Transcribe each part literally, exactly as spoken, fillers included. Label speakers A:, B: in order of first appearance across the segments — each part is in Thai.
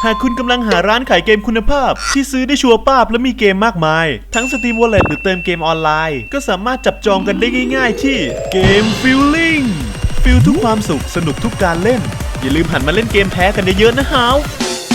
A: หากคุณกำลังหาร้านขายเกมคุณภาพที่ซื้อได้ชัวร์ป้าบและมีเกมมากมายทั้ง Steam Wallet หรือเติมเกมออนไลน์ก็สามารถจับจองกันได้ง่ายๆที่เกม Feeling ฟิลทุกความสุขสนุกทุกการเล่นอย่าลืมหันมาเล่นเกมแท้กันเยอะๆนะฮาว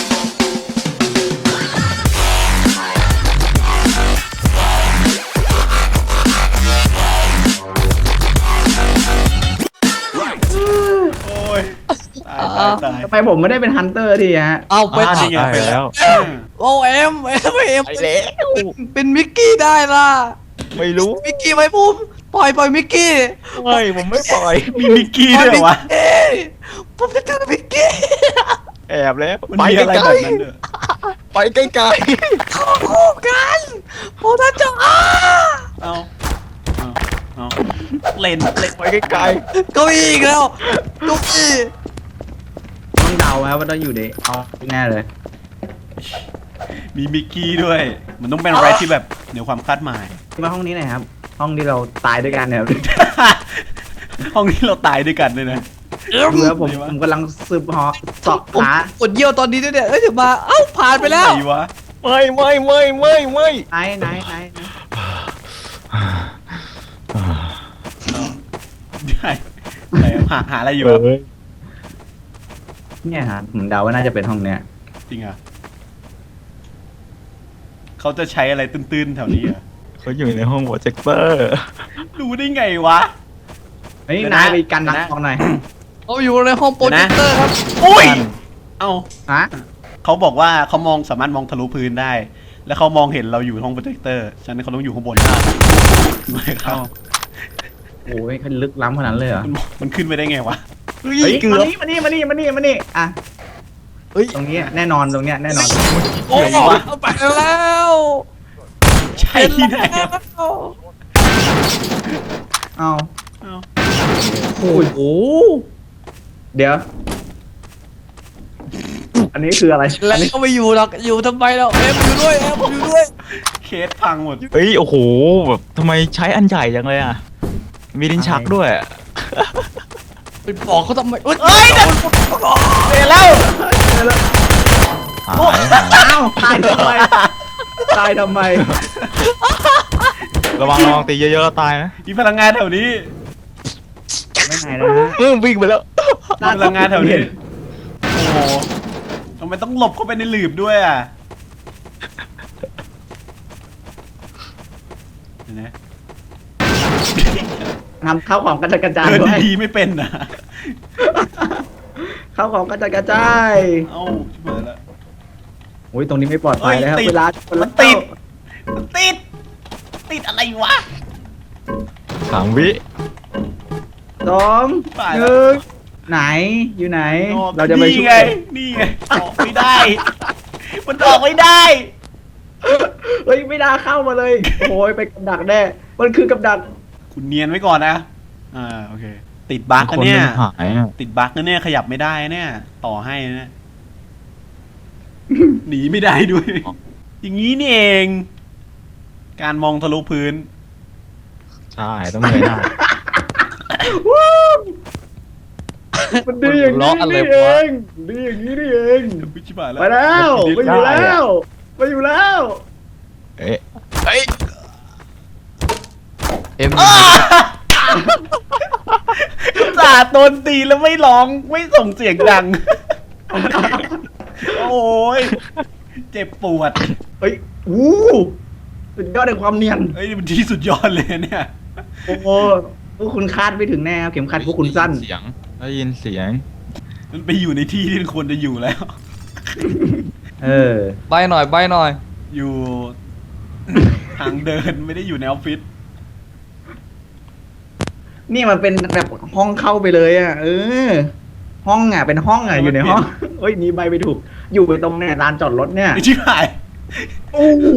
B: ทำไมผมไม่ได้เป็นฮันเตอร์ทีฮะ
C: เอาไป
A: จริงไปแล้ว
C: โอ้เอ็มเอ็มเอ็ม
D: ไปแล้ว
C: เป็นมิกกี้ได้ล่ะ
D: ไม่รู้
C: มิกกี้ไหมปุ้มปล่อยปล่อยมิกกี้
D: ไม่ผมไม่ปล่อย
A: มีมิกกี้ด้วยเหรอวะ
C: ผมจะเจอมิกกี้
D: แอบแล้ว
A: มัน
D: ไป
A: มีอะไร
D: ไกล
A: แบบนั้นด้วย
D: ๆไปไกล
C: เข้าคู่กันผมจะเจออ้า
A: เอาเอาเอาเล่นเล่น
D: ๆไปไกล
C: ก็อีกแล้วทุกที
B: ต้องเดาครับว่าต้องอยู่ในเอาแน่เลย
A: มีมิกกี้ด้วย มันต้องเป็นอะไรที่แบบเหนือความคาดหมาย
B: มาห้องนี้หน่อยครับ ห้องที่เราตายด้วยกันเนี่ย
A: ห้องนี้เราตายด้วยกันเลยนะ
B: ดูแล้วผมผมกำลังสืบหอเสอบ
C: ผม
B: หาก
C: ดเยี่ยวตอนนี้ด้วยเนี่ยเอ้ยถึงมาเอ้าผ่านไปแล้ว
A: ไหนวะ
D: ๆไม่ไม่ไม่ไม่ไม่
B: ไหนไหนไหนไหน
A: ได้ไหนหาหาอะไรอยู่อะ
B: เนี่ยฮะผมเดาว่าน่าจะเป็นห้องเนี้ย
A: จริงอ่ะเขาจะใช้อะไรตื้นๆแถวนี้อ่ะ
D: เขาอยู่ในห้องโปรเจคเตอร์
A: รู้ได้ไงวะ
B: เฮ้ย
A: เดี๋ยวนะ
B: นายไปกันนัก
A: เดี๋ยวนะ
B: ออกหน่อย
C: เขาอยู่ในห้องโปรเจคเตอร์ครับ
A: อุ้ยเอา
B: ฮะ
A: เขาบอกว่าเขามองสามารถมองทะลุพื้นได้ แล้วเขามองเห็นเราอยู่ห้องโปรเจคเตอร์ฉะนั้นเขาต้องอยู่ข้างบนไม่ครับ
B: โอ้ยเขาลึกล้ำขนาดนั้นเลยเหรอ
A: มันมันขึ้นไปได้ไงวะ
D: เฮ้ย
B: เฮ้ย
D: เกือ
B: มา
D: บ
B: นี่มานี่มานี่มานี่มานี่อ่ะ
D: เฮ้ย
B: ตรงนี้แน่นอนตรงเนี้ยแน่นอน
C: โอ้ยเอาไปแล้ว
A: ใช่ที่ไหนอะ
B: เอา
A: เอา
B: โอ้โหเดี๋ยว อันนี้คืออะไร
C: แล้
B: อั
C: วน
B: นี้
C: ก็ไม่อยู่หรอกอยู่ทำไมเราเอ็มอยู่ด้วยเอ็มอยู่ด้วย
A: เคสพังหมด
D: เฮ้ยโอ้โหแบบทำไมใช้อันใหญ่จังเลยอ่ะมีลิ้นชักด้วย
C: ไปบอกเขาทำไมเอ้ย
A: เดี๋ยวแล้ว
D: หายหาย
B: อ้าวตายทำไมตายทำไม
D: ระวังระวังตีเยอะๆแล้วตายนะ
A: มีพลังงานแถวนี้
B: ไม่ไหนนะฮะ
D: เออวิ่งไปแล้ว
A: มีพลังงานแถวนี้ โอ้โหทำไมต้องหลบเข้าไปในหลืบด้วยอ่ะเห็นไหม
B: ทำข้าวของกระจายกระจาย
A: เดิน
B: ด้วย
A: ดีๆไม่เป็นนะ
B: ข้าวของกระจายกระจาย
A: เอ้าชิบหายแล้ว
B: โอ้ยตรงนี้ไม่ปลอดภัยเลยครับ
A: เฮ้ยติด
B: เวลาเวลา
A: มันติด มันติด ติดอะไรวะ
D: สามวิ
B: สอง
A: ตาย
B: ห
A: แล้ว
B: นึ่งไหนอยู่ไหน เราจะไป
A: นี่
B: ช่ว
A: ไง
B: ย
A: นี่ไง ออกไม่ได้ มันออกไม่ได้
B: เฮ้ยไม่น่าเข้ามาเลยโอ้ยไปกับดักแน่มันคือกับดัก
A: คุณเนียนไว้ก่อนนะ อ่า โอเค ติดบั๊กกันเนี่ย
D: คหายอะ
A: ติดบั๊กนะเนี่ยขยับไม่ได้เนี่ย ต่อให้นะ หนีไม่ได้ด้วย อย่างนี้นี่เอง การมองทะลุพื้น
D: ใช่ต้องเงยหน้า
B: มันดีอย่างนี้นี่เองดีอย่างนี้นี่เอง
A: พิชิบายแล้ว
B: ไปแล้วไปอยู่แล้วไปอยู่แล้ว
D: เอ๊ะเฮ้ย
C: เอ็ม
A: สาดโดนตีแล้วไม่ร้องไม่ส่งเสียงดัง โอ้ยเจ็บปวด
B: เฮ้ยวู้สุดยอดในความเนียน
A: เฮ้ยมันที่สุดยอดเลยเนี่ย
B: โอ้โหพวกคุณคาดไม่ถึงแน่ครับเข็มขัดพวกคุณสั้น
D: เสียงได้ยินเสียง
A: มันไปอยู่ในที่ที่ควรจะอยู่แล้ว
B: เออ
C: ใบหน่อยใบหน่อย
A: อยู่ ทางเดินไม่ได้อยู่ในออฟฟิศ
B: นี่มันเป็นแบบห้องเข้าไปเลยอ่ะ เออ ห้องอ่ะเป็นห้องอ่ะอยู่ในห้องเฮ้ยนี่ใบไปถูก อยู่ตรงเนี่ยลานจอดรถเนี่ย
A: ไอ้ชิบหาย
B: โอ้โห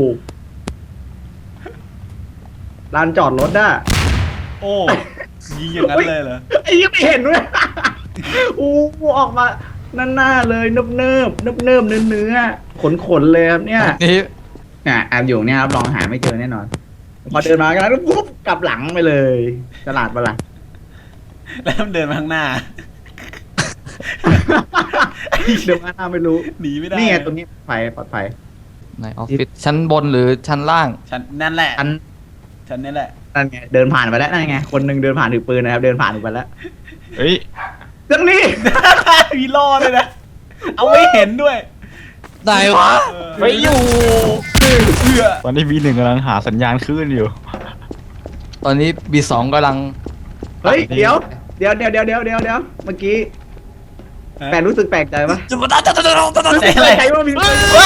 B: ลานจอดรถอ่ะ
A: โอ้ยิงอย่างนั้นเลยเหรอ
B: ไอ้ยังไม่เห็นด้วยโอ้โหออกมาหน้าๆเลยเนิบเนิบเนิบเนิบเนื้อเนื้อขนขนๆเลยครับเนี่ย
C: นี่
B: อ่ะแอบอยู่เนี่ยครับลองหาไม่เจอแน่นอน พอเดินมากันแล้วปุ๊บกลับหลังไปเลยฉลาดปะล่ะ
A: แล้วมันเดินมาข้างหน้า
B: เดี๋ยวหน้าไม่รู้
A: หนีไม่ได้
B: นี่ไงตรงนี้ปลอดภัยปลอดภัย
C: ในออฟฟิศชั้นบนหรือชั้นล่าง
A: ฉันนั่นแหละ
B: อัน
A: ฉันนี่แหละ
B: นั่นไงเดินผ่านไปแล้วนั่นไงคนหนึ่งเดินผ่านถือปืนนะครับ เดินผ่านไปแล้ว
D: เฮ้ย
B: เรื่องนี้
A: มีล่อเลยนะ เอาไม่เห็นด้วย
C: ไหนวะ
A: เออ
C: ไม่อยู่
A: เพื่อ
D: ตอนนี้บีหนึ่งกำลังหาสัญญาณคลื่นอยู่
C: ตอนนี้บีสองกำลัง
B: เฮ้ยเดี๋ยวเดี๋ยวเดี๋ยวเดี๋ยวเดี๋ยวเดี๋ยวเดี๋ยวเมื่อกี้แปลกรู้สึกแปลกใจปะ
C: จะมาตัดตัดตัดตัดตัด
A: ใจอะไร
B: ใจว่ามี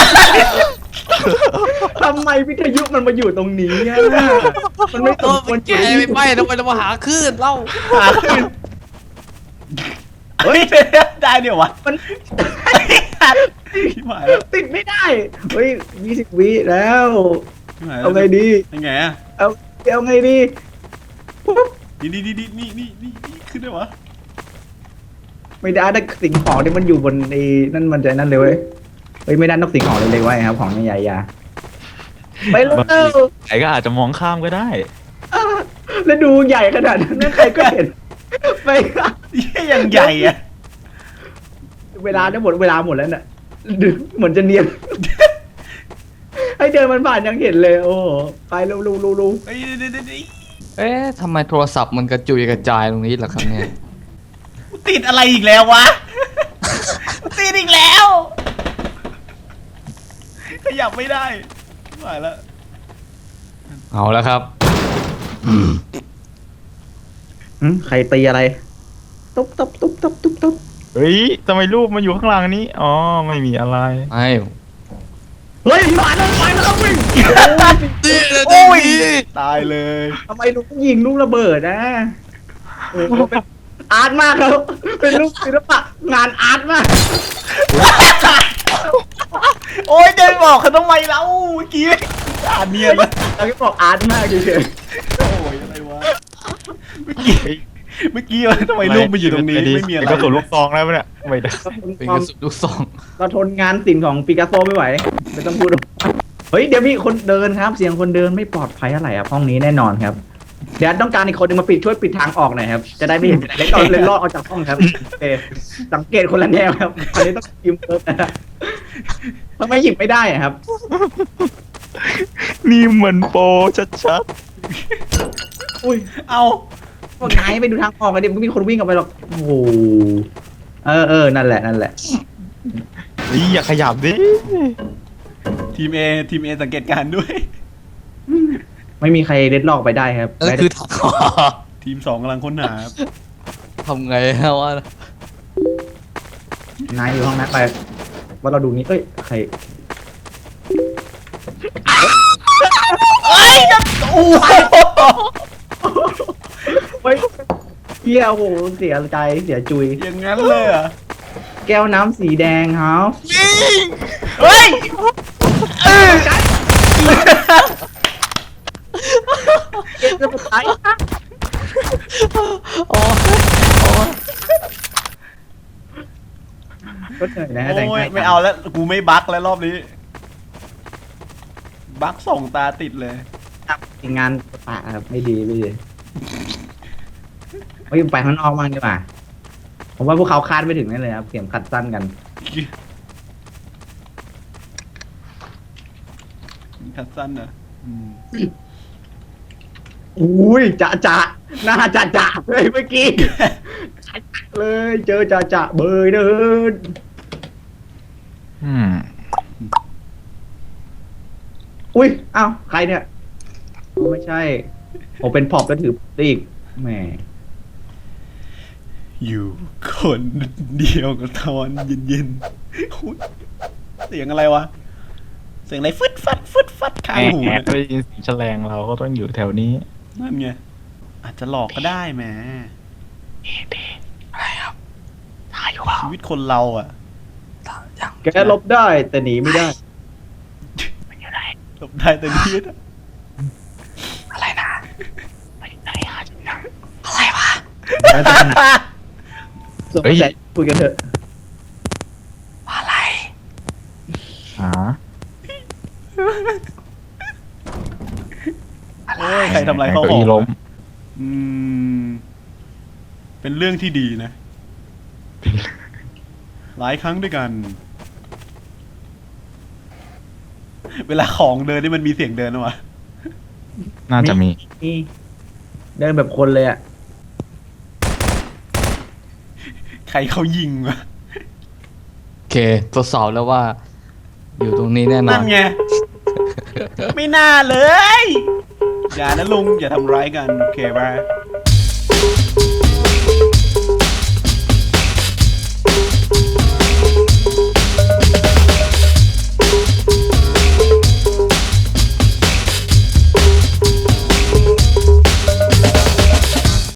B: ทำไมวิทยุมันมาอยู่ตรงนี้อะมันไม่ส
C: ตัว
B: มคว
C: มั
B: ร
C: นแก่ไม่ไปทำไมเรามาหาคลื่นเล่า
A: หาขึ้นเฮ้ยได้เดี๋ยววะ
B: มัน
A: ชิบหายแล้ว
B: ติดไม่ได้เฮ้ยยี่สิบวิแล้ว
A: ชิบหายแล้ว
B: เอาไงดี
A: ยังไงอะ
B: เอาเอาไงดีปุ๊บ
A: นี่นี่นี่นี่นี่นี่นี่ขึ้นได้วะ
B: ไม่ได้ถ้าสิ่งของที่มันอยู่บนไอ้นั่นมันจะนั่นเลยเว้ยเฮ้ยไม่ได้นกสิ่งของเลยเลยไว้ครับของใหญ่ๆอย่าไปเร็ว
D: ใครก็อาจจะมองข้ามก็ได้
B: อ่ะแล้วดูใหญ่ขนาดนั้นใครก็เห็นไปค่ะ
A: เหี้ยยังใหญ่อะ
B: เวลาได้หมดเวลาหมดแล้วน่ะดูเหมือนจะเนียน ให้เดินมันผ่านยังเห็นเลย โอ้โหไปเร็วๆๆๆ
A: เฮ้ยเดี๋ยวเดี๋ยวเดี๋ยว
C: เอ๊ะทำไมโทรศัพท์มันกระจุยกระจายตรงนี้ล่ะครับเนี่ย
A: ติดอะไรอีกแล้ววะ ติดอีกแล้วขยับไม่ได้ชิบหายแล้ว
C: เอาแล้วครับ
B: หึใครตีอะไร ตุ๊บตุ๊บตุ๊บตุ๊บตุ๊บตุ๊บ
D: เฮ้ยทำไมรูปมันอยู่ข้างหลังนี้ อ๋อ ไม่มีอะไร
C: ไอ้
B: เฮ้ยผ่านแล้วไปแล้ววิ่ง
A: โอ้ยตายเลย
B: ทำไมลูกยิงลูกระเบิดนะโอ้โหเป็นอาร์ตมากครับเป็นลูกศิลปะงานอาร์ตมาก
A: โอ้ยจะไปบอกเขาทำไมเล่าเมื่อกี้อ่านเนียนเลย
B: เราก็บอกอาร์ตมากเฉย
A: โอ้ยอะไรวะเมื่อกี้เมื่อกี้ทำไมลูกมาอยู่ตรงนี้ไม่มีอะไร
D: ก็ส่วนลูกซองแล้วเนี่ยไม่ได้
B: ๆ
C: เป็นกระสุนลูกซอง
B: เราทนงานศิลป์ของปิกัสโซไม่ไหวไม่ต้องพูดหรอกเฮ้ยเดี๋ยวมีคนเดินครับ เสียงคนเดินไม่ปลอดภัยอะไรครับห้องนี้แน่นอนครับเดี๋ยวต้องการอีกคนหนึงมาปิดช่วยปิดทางออกหน่อยครับจะได้ไม่เห็นเล็กเอาเลยรอดออกจากห้องครับโอเคสังเกตคนละแนวครับอันนี้ต้องยืมเพิ่มนะครับทำไมหยิบไม่ได้อะครับ
D: นี่เหมือนโปรชัด
B: อุ้ย
A: เอา
B: พวกนายไปดูทางออกกันดิมันก็มีคนวิ่งออกไปหรอกโอ้โหเออเออนั่นแหละนั่นแหละ
D: ๆเฮ้ยอย่าขยับดิ
A: ทีมเอทีมเอสังเกตการณ์ด้วย
B: ไม่มีใครเด็ดลอกไปได้ครับ
C: นั่นคือทางออก
A: ทีมสองกำลังค้นหาครับ
C: ทำไงฮะวะ
B: นายอยู่ห้องนั้นไปว่าเราดูนี้เอ้ยใคร
A: เอ้ยจะโอ้โห
B: เฮ้ยเฮียโอ้โหเสียใจเสียจุย
A: อย่างนั้นเลยเหรอ่ะ
B: แก้วน้ำสีแดงครับ
A: เฮ้ยเออ
B: เกมจะสุดท้าย
C: โอ้โอ้
B: ก็เหนื่อยนะแต่ง
A: โอ้ย
B: ให้
A: ไม่เอาแล้วกูไม่บั๊กแล้วรอบนี้ บั๊กส่องตาติดเลย
B: งานปะครับไม่ดีไม่ดีเฮ้ยไปข้างนอกมั่งดีกว่าผมว่าพวกเขาคาดไม่ถึงแน่เลยครับเข็มขัดสั้นกัน
A: คัดสั้นนะอืม
B: อุ้ยจะจะหน้าจะจะเลยเมื่อกี้จะจะเลยเจอจะจะเบยเดิน
D: อืม
B: อุ้ยอ้าวใครเนี่ยไม่ใช่ผมเป็นพอบแล้วถือตีกแหม
A: อยู่คนเดียวกับตอนเย็นๆอุ๊ยเสียงอะไรวะ เสียงอะไรฟึดฟัดฟึดฟัดข้างหู
D: แอ
A: เนี่ย
D: ดได้ยินเสียงแฉลงเราก็ต้องอยู่แถวนี้
A: นั่นไง อาจจะหลอกก็ได้แหม
C: อะไรครับ
A: ชีวิตคนเราอ่ะ
C: ยัง
B: แกลบได้แต่หนีไม่ได้
A: หลบได้แต่นิดอะ
C: อะไรนะอะไรวะ
B: ส่งแต่คุยกันเถอะ
C: อะไร
D: อ๋อ
A: โอ้ยใครทำอะไรเขา
D: เก้า
A: หอ
D: อี้
A: ม
D: ล้ม
A: อืม เป็นเรื่องที่ดีนะหลายครั้งด้วยกัน เวลาของเดินนี่มันมีเสียงเดินนะวะ
D: น่าจะมี
B: นี่เดินแบบคนเลยอ่ะ
A: ใครเขายิงวะ
C: โอเคทดสอบแล้วว่า อยู่ตรงนี้แน่นอ
A: นั่
C: น
A: นไง ไม่น่าเลย อย่านะลุง อย่าทำร้ายกัน โอเคป่ะ